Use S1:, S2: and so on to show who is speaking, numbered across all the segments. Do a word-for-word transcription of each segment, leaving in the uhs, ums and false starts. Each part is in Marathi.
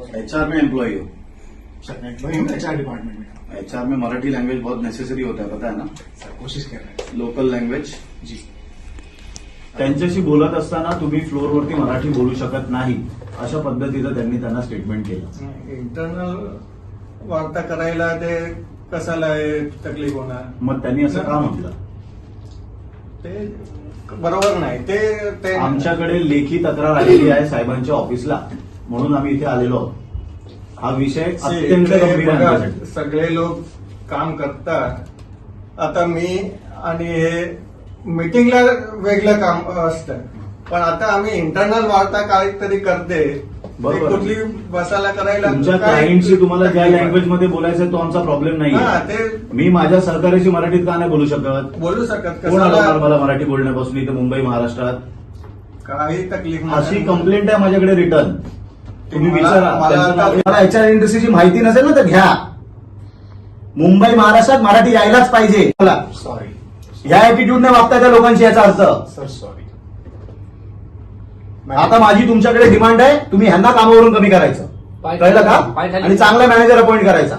S1: एचआर में एम्प्लॉई हो?
S2: सर एम्प्लॉई हूँ एचआर डिपार्टमेंट में।
S1: एचआर में मराठी लैंग्वेज बहुत नेसेसरी होता है, पता है ना?
S2: सर कोशिश कर रहे हैं।
S1: Local language.
S2: जी
S3: त्यांच्याशी बोलत असताना तुम्ही फ्लोअरवरती मराठी बोलू शकत नाही अशा पद्धतीचं त्यांनी त्यांना स्टेटमेंट केलं.
S4: इंटरनल वार्ता करायला ते कशाला आहे तकलीफ होणार?
S3: मग त्यांनी असं का म्हटलं?
S4: ते बरोबर नाही. ते ते
S3: आमच्याकडे लेखी तक्रार आलेली आहे साहेबांच्या ऑफिसला, म्हणून आम्ही इथे आलेलो आहोत. हा विषय अत्यंत
S4: ते
S3: गंभीर आहे
S4: बघा,
S3: आमच्यासाठी.
S4: सगळे लोक काम करतात. आता मी आणि हे मीटिंगला वेगळं काम असतं, पण आता आम्ही इंटरनल वार्ता काहीतरी करते.
S3: बरोबर.
S4: ते कुठली बसायला करायला
S3: तुमच्या
S4: काय-
S3: क्लायंटशी तुम्हाला ज्या लँग्वेज मध्ये बोलायचं तो आमचा प्रॉब्लेम नाही.
S4: हा, ते
S3: मी माझ्या सहकार्याशी मराठीत का नाही बोलू शकत?
S4: बोलू शकत
S3: कोण आलं
S4: कशाला
S3: मला मराठी बोलण्यापासून इथे मुंबई महाराष्ट्रात?
S4: काही तकलीफ नाही.
S3: अशी कंप्लेंट आहे माझ्याकडे रिटर्न. तुम्ही
S4: मला-
S3: विचारा.
S4: मला
S3: त्यांचं नाव-
S4: आता-
S3: मला एचआर इंडस्ट्रीची माहिती नसेल ना तर घ्या. मुंबई महाराष्ट्रात मराठी यायलाच पाहिजे. मला
S2: सॉरी
S3: ह्या ऍटिट्यूडने वागताय त्या लोकांशी याचा अर्थ.
S2: Sir sorry.
S3: आता माझी तुमच्याकडे डिमांड आहे, तुम्ही ह्यांना कामावरून कमी करायचं, कळलं का? आणि चांगला मॅनेजर अपॉइंट करायचा.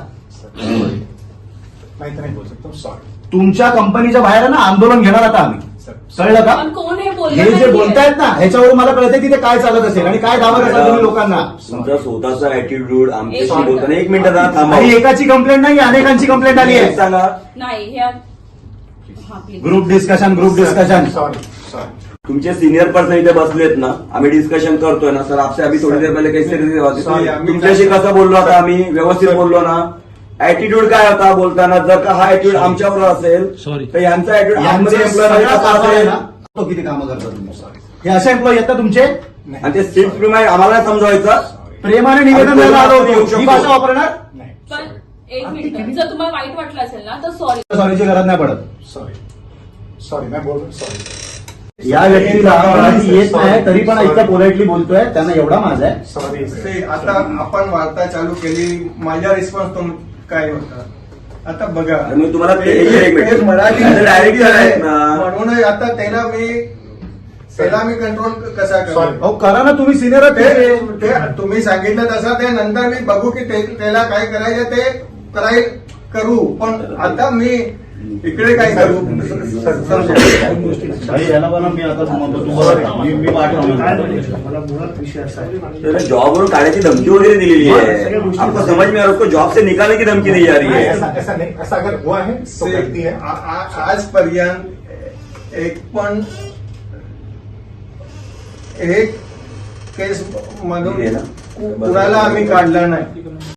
S2: मैं इतना ही बोल सकता हूँ सॉरी.
S3: तुमच्या कंपनीच्या बाहेर आहे ना आंदोलन घेणार आता आम्ही,
S2: सर
S3: कळलं का?
S5: पण कोण हे बोललं
S3: हे जे
S5: नाहीये.
S3: बोलतायत ना ह्याच्यावरून मला कळतंय की ते काय चालत असेल आणि काय दावा करतात तुम्ही लोकांना.
S6: तुमचा स्वतःचा ऍटिट्यूड आमच्याशी
S5: एक मिनिट.
S6: बोलताना एक मिनिट जरा थांबा.
S3: आणि एकाची कंप्लेंट नाही, अनेकांची कंप्लेंट आली
S6: एक
S3: आहे.
S6: सांगा.
S5: नाही हे हा please.
S3: Group discussion group discussion.
S2: Sorry sorry.
S6: तुमचे सीनियर पर्सन इथे बसलेत ना, आम्ही डिस्कशन करतोय ना सर. आपसे अभी थोडी देर पहिले काही
S4: Sorry, आम्ही-
S6: तुमच्याशी कसं बोललो आता आम्ही? व्यवस्थित बोललो ना? ऍटिट्यूड काय होता बोलताना? जर का हा ऍटिट्यूड आमच्यावर असेल तर यांचा ऍटिट्यूड आमच्या
S3: यांचे
S6: एम्प्लॉय
S3: सगळा
S6: कसा
S3: कारभार आहे
S6: असेल?
S3: ना, तो किती कामं करता तुम्ही? हे असे एम्प्लॉई आहेत ना तुमचे?
S6: आणि ते सिक्स प्रमाणे आम्हाला समजावायचं.
S3: प्रेमाने निवेदन द्यायला आलो होतो. ही भाषा वापरणार?
S2: नहीं
S5: पण एक मिनिट, जर तुम्हाला वाईट वाटलं असेल ना तर सॉरी.
S3: सॉरीची गरज नाही पडत.
S2: सॉरी सॉरी मैं बोल रहा हूँ सॉरी.
S3: या व्यक्तीला मराठी येत नाही तरी पण इतकं पोलाइटली बोलतोय, त्यांना एवढा माझा आहे.
S2: सॉरी
S4: ते आता आपण वार्ता चालू केली, माझा रिस्पॉन्स तुम काय होता आता बघा.
S6: आणि मग तुम्हाला ते-
S4: ते-
S6: एक मिनिट.
S4: ते मराठी
S6: डायरेक्टर आहेत ना.
S4: म्हणून आता त्याला मी त्याला मी कंट्रोल कसा करू?
S2: Sorry.
S3: अहो करा ना, तुम्ही सिनियर
S4: ते ते तुम्ही सांगितलं तसं ते नंतर मी बघू की ते- त्याला काय करायचं ते कराय करू. पण आता मी इकडे काय करू?
S3: भाई याला पण मी आता म्हणतो तू बरं मी मी पाठवतो.
S2: मला मुळात विषय असा आहे.
S6: जॉबवरून काढायची धमकी वगैरे दिलेली आहे. आपको समझ में आ रहा है? उसको जॉब से निकालने की धमकी दी जा रही है.
S2: ऐसा ऐसा नहीं, ऐसा अगर हुआ है तो गलती है.
S4: आ- आ- आजपर्यंत एक पण एक केस मधून
S6: हे ना?
S4: कुणाला आम्ही काढला नाही.